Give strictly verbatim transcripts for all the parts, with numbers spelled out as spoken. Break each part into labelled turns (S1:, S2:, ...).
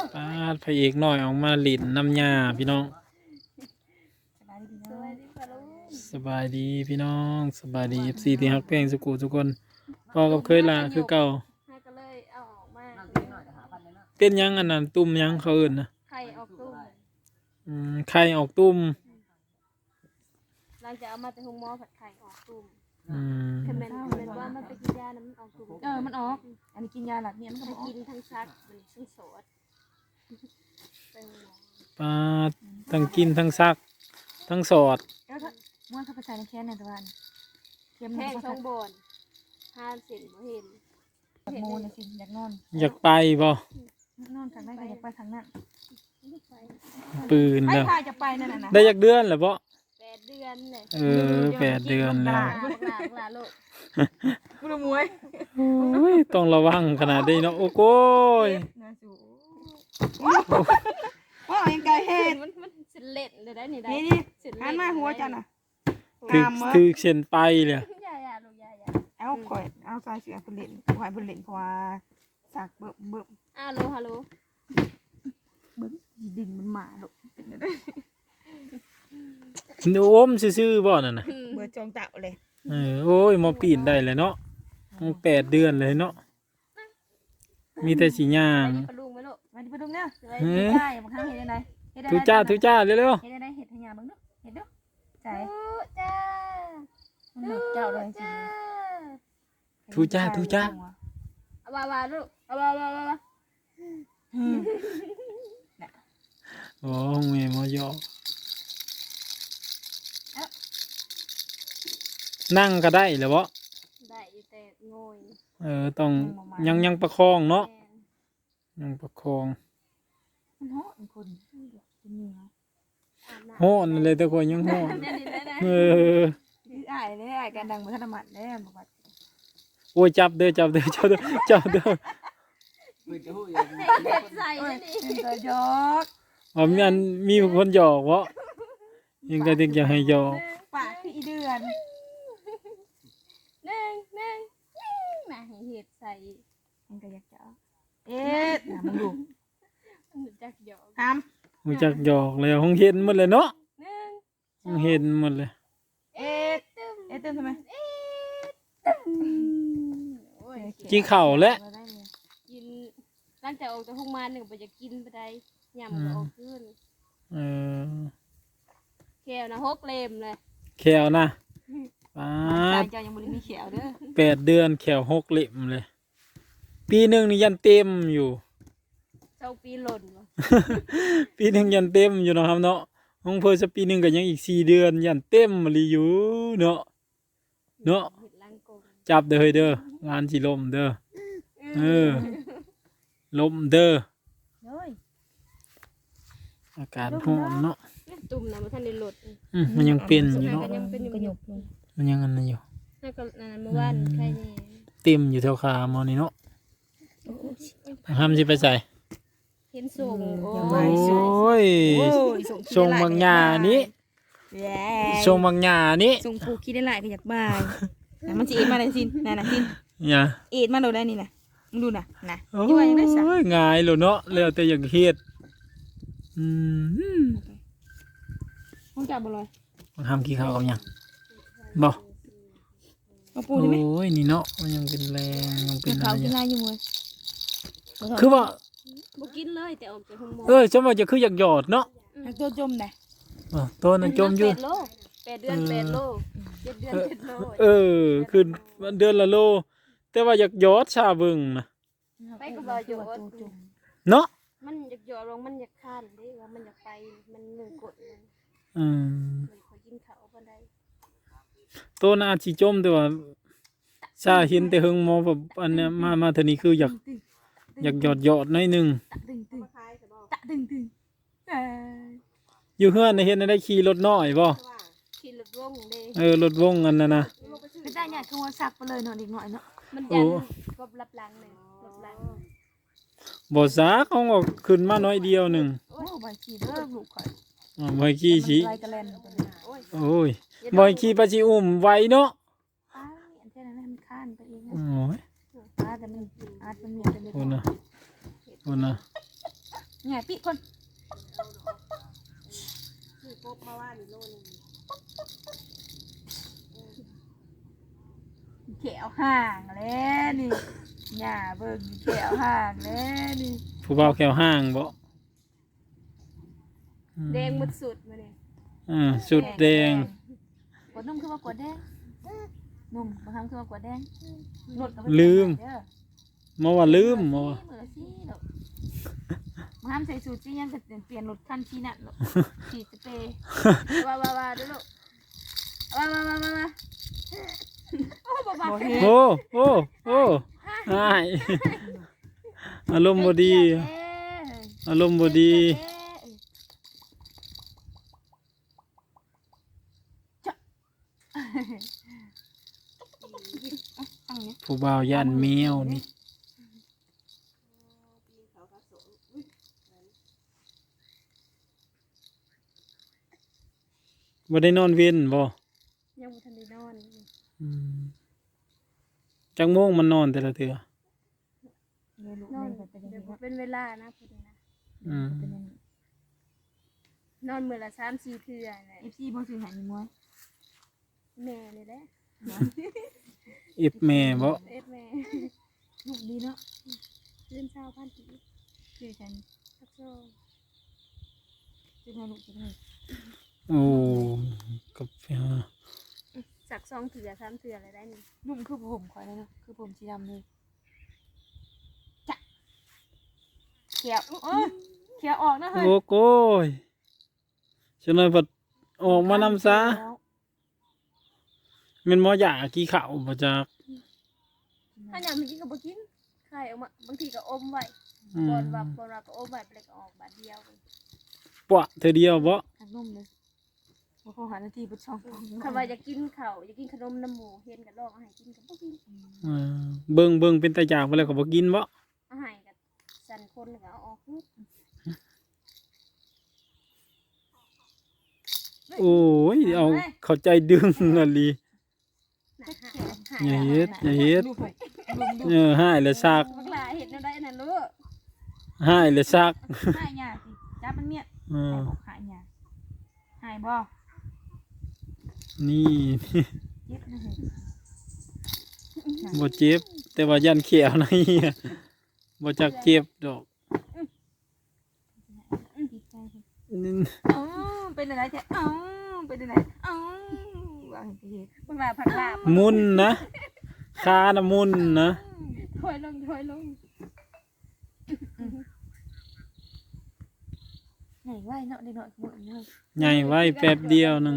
S1: ปาดพระเอกน้อยออกมาหลินน้ำยาพี่น้องสบายดีพี่น้องสบายดีเอฟซีที่ฮักเพลงสุกูทุกคนพ่อกับเคยลาคือเก่า
S2: ก็เลยเอาออกมา
S1: เป็นยังอันนั้นตุ่มยังเขาเอื่นนะ
S2: ไข่ออกตุ้ม
S1: อืมไข่ออกตุ่ม
S2: หลังจากเอามาแต่หุงหม้อผัดไข่ออกตุ้ม
S1: อืม
S2: คือเป็นเป็นว่ามันไปกินยานะมันออกตุ้ม
S3: เออมันออกอันนี้กินยาหลักเนี่ยมันก็
S2: กินทั้งซักมันทั้งโสด
S1: ปาดทั้งกินทั้งซักทั้งสอด
S3: แล้วถ้าม้วนเข้าไปใส่ในแค่ในตะวันเค็ม
S2: แห้ง
S3: ช่
S2: ช่องบนห้าสิบเห็น
S3: อยากโมนสิอยากนอน
S1: อยากไปบ่
S3: นอนทางไหนก็อยากไปทางนั้น
S1: ปืน
S3: ให้
S1: แล้ว
S3: พาจะไปนั่นน่ะ
S1: ได้อยากเดือนหรือบ่
S2: แปดเดือนเลย
S1: เออแปดเดือนแล้ว
S2: หลาหลาลูก
S3: กูรู้มวย
S1: โอ้ยต้องระวังขนาดนี้เนาะโอ้โก้ย
S3: น่าสูว้าวยังไงเห็น
S2: มันมันสิเล่นเลยได้นี่ได้
S3: นี่นี่หันมาหัวจันน่ะ
S1: คือคือเส้นไปเลย
S2: ยายาลูกยายา
S3: เอาข่อยเอาใส่เสือผลิตข่อยผลิตเพราะว่าสักเบิ่มเบิ่ม
S2: ฮัลโหลฮัลโหล
S3: เบิ่มดินมันหมาลูก
S1: โอ้มซื่อๆบ่นั่นน่ะ
S3: เบื่อจองเต่าเลย
S1: เออโอ้ยมาปีนได้เลยเนาะมันแปดเดือนเลยเนาะมีแต่สีย่าง
S2: ปลาลุงไหมลูก
S3: มาดิปลาดุงเนี่ยเฮ้ยได้บางครั้งเห็นอะไร
S1: ทุจ้าทุจ้าเร็ว
S3: เห็นอะไรเห็ดทะยาบ้างดูเห็ดดูใจ
S2: จ้า
S3: มันหนุกเจ้าเลยจริง
S1: ทุจ้าทุจ้า
S2: เอาวาวาลูกเอาวาวาวาวา
S1: โอ้เมย์มอยอนั่งก็ได้หรือเปล่า
S2: ได้แต่งอย
S1: เออต้องยังยังประคองเนาะยังประคอง
S3: มันโหดคนเป็นยังไง
S1: โหดเลยแต่คนยังโหดเออ
S3: อ่ายเลยอ่ายการดังเหมือนธนบัตรเลยบอกว่า
S1: โอ้ยจับเด้อจับเด้อจับเด้อจับเด้อ
S2: ใส่
S3: นี่ตัวยก
S1: อ๋อมีอันมีคนหยอกวะยังก็ถึงอยากให้หยอก
S3: ปากพี่เดือน
S2: หนึ่งหนึ่งมาให้เห็ดใส่
S3: ยังก็อยากจะเอ๊ะมึงดู
S2: จักหยอก
S3: ท
S1: ำมันจักหยอกเลยห้องเห็นหมดเลยเนาะ
S2: หนึ่ง
S1: ห้องเห็นหมดเลย
S3: เอ๊ะเอ๊ะเติมทำไม
S1: กินข้าวแล้ว
S2: กินหลังจากออกจากห้องมาหนึ่งไปจะกินไปได้ยำก็ออกขึ้น
S1: เออ
S2: แควนะหกเล่มเลย
S1: แขวนะป้า
S3: เจ้ายังบริมีแขวเด้อ
S1: แปดเดือนแขวหกเล่มเลยปีหนึ่งนี่ยันเต็มอยู่
S2: เจ้าปีหล่นวะ
S1: ปีหนึ่งยันเต็มอยู่เนาะครับเนาะห้องเพิ่นจะปีหนึ่งก็ยังอีกสี่เดือนยันเต็มมาลีอยู่เนาะเนาะจับเด้อเด้องานสิลมเด้อเออลมเด้ออากาศร้อนเนาะ
S2: ตุ่มนะมันท่านได้หลุด
S1: อืมมันยังเป็นอยู่เนาะมันยังอันนั้นอยู่
S2: แล้วก็นั่นเมื่อวานใครนี่
S1: เต็มอยู่แถวขาหมอนี่เนาะห้ามสิไปใส่
S2: เห็นส่ง
S1: โอ้ยส่งบางหญ้านี้ส่งบางหญ้านี้
S3: ส่งผูกคิดได้หลายก็อยากบ้าแต่มันจะเอ็ดมาได้สินนั่นน่ะสิน
S1: เนี่ย
S3: เอ็ดมาโดนได้นี่นะมึงดูน่ะนะ
S1: โอ้ยง่ายเลยเนาะแล้วแต่อย่างเฮ็ดอืม
S3: มึงจับบ่เลย
S1: มันทำขี้ข้าวเอายังบ่
S3: มาปูได้ไหม
S1: โอ้ยนี่เนาะมันยังเป็นแรงยังเป็นอะไร
S3: กินอะไรอยู่มั้ย
S1: คือว่า
S2: บ่กินเลยแต่ออกจากห้องหมอ
S1: เออจะว่าจะคืออยากหยอดเนาะ
S3: ตัวจมได้
S1: อ๋อตัวนั้นจมอยู่
S2: แปดเดือนแปดโลเจ็ดเดือนเจ็ดโล
S1: เออคือเดือนละโลแต่ว่าอยากหยอดชาเบิ่งนะ
S2: ไปก็บ่หยอด
S1: เนาะ
S2: มันอยากหยอดลงมันอยากข้านเด้ว่ามันอยากไปมันหนึ่งกดมัน
S1: อืม
S2: ขอกินข้าวบ่ได้
S1: ตัวน่าสิจมแต่ว่าชาเห็นแต่เฮิงหมอแบบอันเนี้ยมามาเท่านี้คืออยากอยากหยอดหยอดหน่อยนึง
S3: ตะตึงตึง
S1: อยู่เฮือนเห็นได้ขี่รถน้อยบ่
S2: ขี่รถวงเด้
S1: เออรถวงอันนั้นนะ
S3: ไม่ได้เนี่ยคือว่าสักไปเลยเนาะอีกหน่อยเนาะ
S2: มันยันกบรับหลังเลยรับหลัง
S1: บ่ซักเอาออกขึ้นมาน้อยเดียวนึง
S3: โอ้บ่ขี่เด้อลูกข่อย
S1: อ๋อบ่ขี่สิโอ้ยบ่ขี่ปะสิอุ้มไว้เนาะ
S3: อ้ายอันเท่านั้นมันค้านไปเอง
S1: โอ้ย
S3: อาแต่มันอาจมันมีแต่เล็ก
S1: โอ้นะโอ้นะ
S3: แง่ปิคน
S2: ซื้อกบมาว่านี่โลนึง
S3: แขวห่างแล้วนี่หญ้าเบิ่งแขวห่างแล้วนี่
S1: ผู้เบาแขวห้างบ่อืม
S2: แดงหมดสุดมาเนี่ย
S1: อ่าสุดแดง
S3: กดนุ่มคือว่ากดแดงนุ่มบางครั้งคือว่ากดแดงหนดก็ไป
S1: ลืม
S3: เด้อ
S1: มาว่าลืมมาว่า
S3: มือละสิดอกบางครั้งใส่สูตรที่ยังก็เปลี่ยนรถคันที่นั่นหรอกขี่สเปรย์
S2: ว่าว่าว่าดูลูกว่าว่าว่าว่าว่าโอ้บ่บ่
S3: บ่เฮ็ด
S1: โอ้โอ้โอ้หาย อารมณ์บ่ดี อารมณ์บ่ดี
S3: อันนี้
S1: ผู้บ่าวย่านแมวนี่บ่ได้นอนเว้นบ่
S2: ยังบ่ทันได้นอน
S1: อืมจักโมงมันนอนแต่ละเทื่อ
S3: เดี๋ยวลูก
S2: นอน
S3: แม่ก็เป็นอย่าง
S2: เดี๋ยว
S3: นี้
S2: บ่
S3: ว่า
S2: เป็นเวลานะพูดนะ
S1: อืม
S3: เป็นอย่างนี้
S2: นอนมื้อละสามสี่เทื่อน่ะ
S3: เอฟซีบ่ซื้อให้มีมวย
S2: แม่นี่แหละ
S1: อิบแม่บ่
S2: เอ็ดแม่
S3: ลูกดีเนาะ
S2: เดือนเช้าพันปี
S3: ซื้อฉัน
S2: สักโซ
S3: ซื้อให้ลูกซื้อให้
S1: โอ้กับอ่า
S2: สักสองเทื่อสามเทื่ออะไรได้นี่
S3: นุ่มคือผมข่อยเลยเนาะคือผมสีดำเลยจ้ะเขียวเอ้ยเขียวออกนะเฮ้ย
S1: โอ้โกยฉะนั้นพอออกมานำซะแม่นหมอหยากี่ข้าวบ่จัก
S2: ถ้าอยากมันกินก็บ่กินไข่ออกมาบางทีก็อมไว้
S1: อืม
S2: ก่อนว่าก่อนว่าก็อมไว้ไปเลยก็ออกบาดเดียว
S1: ปะเธอเดียวบ่
S3: หักนุ่มเลยว่าเขาหาหน้าที่บุช่อง
S2: คันว่าจะกินข้าวจะกินขนมน้ำหมูเห็นก็ลองเอาให้กินก็บ่กิน
S1: อ่าเบิ่งเบิ่งเป็นตาอยากบ่แล้วก็บ่กินบ่
S2: เอาให้ก็สั่นคนก็เอาออกฮึด
S1: โอ้ยเอาเข้าใจดึงอะลี
S2: น่ะหา
S1: อย่าเฮ็ดอย่าเฮ็ด
S3: ลูกข่อยลุมดู
S1: เออหายแล้วซัก
S2: บักหลาเฮ็ดแนวใดนั่นลูก
S1: หายแล้วซัก
S3: หายหยาสิจับมันเมียด
S1: อ่า
S3: หายบอกหายหยาหายบ่
S1: นี่
S3: เจ็บนะเฮ้ย
S1: บ่เจ็บ แต่ว่ายันเขียวในอะบ่จักเจ็บดอก
S3: ติดใจเฮ้ย
S1: นี่
S3: อ๋อเป็นอะไรแท้อ๋อเป็นอะไรอ๋อว่าเห็นไปเฮ็ด
S2: บักหลาผักลาบ
S1: มุนนะคานะมุนนะ
S2: ถอยลงถอยลง
S3: ใหญ่ไว้เนาะเด็กน้อยขโมยเนาะ
S1: ใหญ่ไว้แป๊บเดียวหนึง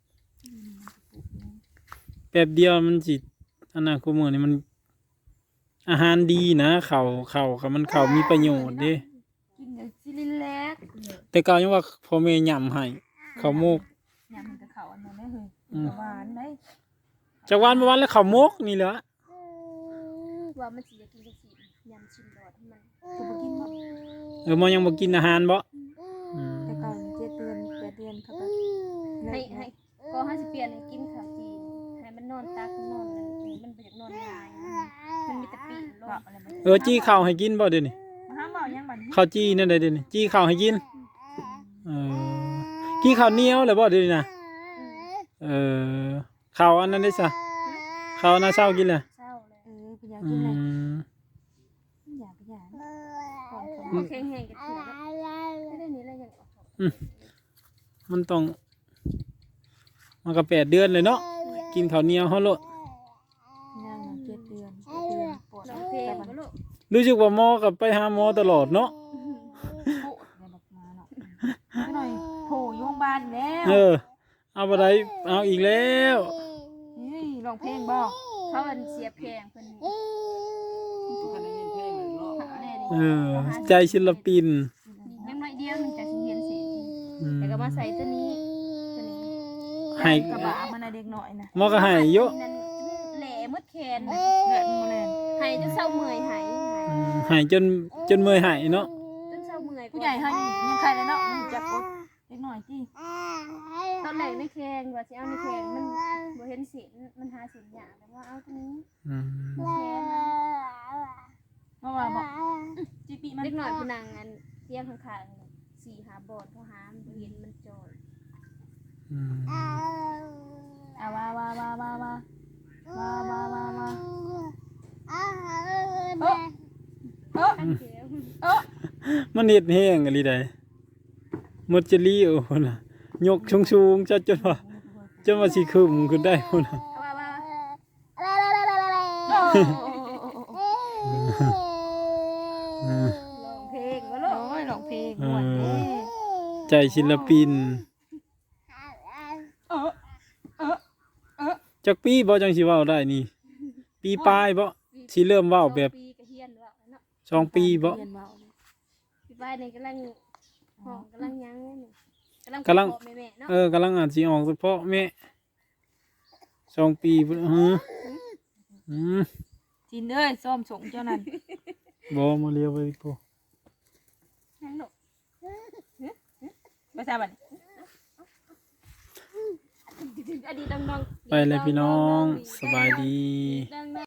S1: แป๊บเดียวมันสิอันนั้นกูมื้อนี้มัน อาหารดีนะข้าวข้าวก็มันข้าวมีประโยชน์เด้
S3: กินเดี๋ยวสิลินแลก
S1: แต่เก่ายังว่าพ่อแม่ยำให้ข้าวโมก
S3: ยำมันกับเขาอันนั้นได้เฮ้ย
S1: อืม
S3: หวานได้
S1: จากวันมาวันแล้วข้าวโมกนี่แหละ
S2: ว่ามันสิจะกินจังซี่ยำชิมรอดให้มัน
S3: จะไปกินบ่
S1: เออมันยังบ่กินอาหารบ่อืม
S3: แต่ก่อนเจ็ดเดือนแปดเดือนเขาก็
S2: ให้ให้ก็ให้สิเปลี่ยนให้กินข้าวจีนให้มันนอนตักนอนนั่นมันบ่อยากนอนง่ายมันมีแต่ปีนล
S3: ก็
S2: ง
S3: อะไรมัน
S1: เออจี้ข้าวให้กินบ่เดี๋ยวนี้
S3: มาห้ามเบายังบัดนี้
S1: ข้าวจี้นั่นได้เดี๋ยวนี้จี้ข้าวให้กินเออกินข้าวเหนียวเลยบ่เดี๋ยวนี้นะเออข้าวอันนั้นได้ซะข้าวอันน่ะเช้ากินเลย
S2: เศร้าเลย
S3: เออพยายาม
S1: อื
S3: กินเลย
S1: ม
S3: อย่าพยายามก่อน
S2: บ่แข็งแรงกันเถื่อไม่ได้นี่แล้วยังออก
S1: มันต้องมันก็แปดเดือนเลยเนาะกินข้าวเหนียวเฮาโลด
S3: นั่งเจ็ดเดือนแปดเดือนปวด
S2: ร้องเพลง
S3: แต่
S2: บ่
S3: มัน
S2: ลูก
S1: รู้สึกว่าหมอก็ไปหาหมอตลอดเนาะ
S3: โคตรเลยแบบมาเนาะหน่อยโผล่โยงบานแล้ว
S1: เออ เอาบ่ได้เอาอีกแล้ว
S3: เฮ้ยร้องเพลงบ่
S2: เขาอันเสียแพงเพิ่นแน่
S1: เอ
S2: นี่
S1: อ ใจศิลปิน
S2: ยังน้อยเดียวมันจะสิเห็นสิ
S1: อืม
S2: แต่ก็มาใส่ตัวนี้ตัวนี้
S1: ให้
S3: กระบะมันน่ะเด็กน้อยนะ
S1: หมอก็ให้เยอะ
S2: นั่นแหล่มดแขน
S3: เลือดมันมาเลย
S2: หายจนเศร้าเมื่อยหายหาย
S1: อืมให้จนจนเมื่อยหายเนาะ
S2: จนเศร้าเมื่อย
S3: ผู้ใหญ่เฮายังใครเลยเนาะมันจับกดเด็กน้อยจี้
S2: ตอนแรกในแขงว่าสิเอาในแขงมันบ่เห็นสินมันหาสินยากแต่ว่าเอาตัวนี้
S1: อืม
S2: แขน
S3: เพราะว่าบอกจีปีมัน
S2: เล็กหน่อยผู้นางอันเตียงข้างๆนี่สี่หาบอดเขาหาบ่เห็นมันจอย
S1: อืม
S3: เอาว่าว่าว่าว่าว่าว่าว่าว่าว่าเออเออ
S2: ตั้งเสียง
S3: เออ
S1: มันเฮ็ดแห้งอะไรใดหมดจะรีโอ้พุ่นน่ะยกสูงๆจะจนว่าจนว่าสิขึ้นขึ้นได้พุ่นน่ะ
S2: ว่าว่า
S1: อืม
S2: ร้องเพลงบ่ลูก
S3: โอ้ยร้องเพลงม่วนเด้
S1: ใจศิลปิน
S3: เออเออเออ
S1: จักปีบ่จังสิเว้าได้นี่ ปีปลายบ่สิเริ่มเว้าแบบ
S2: สองปีก็เฮียนว่าเนาะ
S1: สองปีบ่
S3: เรียนเว้าเลย
S2: พี่บ้านนี่กำลังห้องกำลังหยังนี่กำลัง
S1: กำลัง
S2: พ่อแม่ๆเนาะ
S1: เออกำลังอ่านสิออกเฉพาะแม่สองปีพุ่นหืออืม
S3: จินเอ้ยซ้อมส่งเจ้านั่น
S1: บ่มาเรียวไปโพ
S2: นั่นลูก
S3: ไปซะบัดนี้
S2: อดีตน้องๆ
S1: ไปเลยพี่น้อง สบายดี
S2: ดังๆ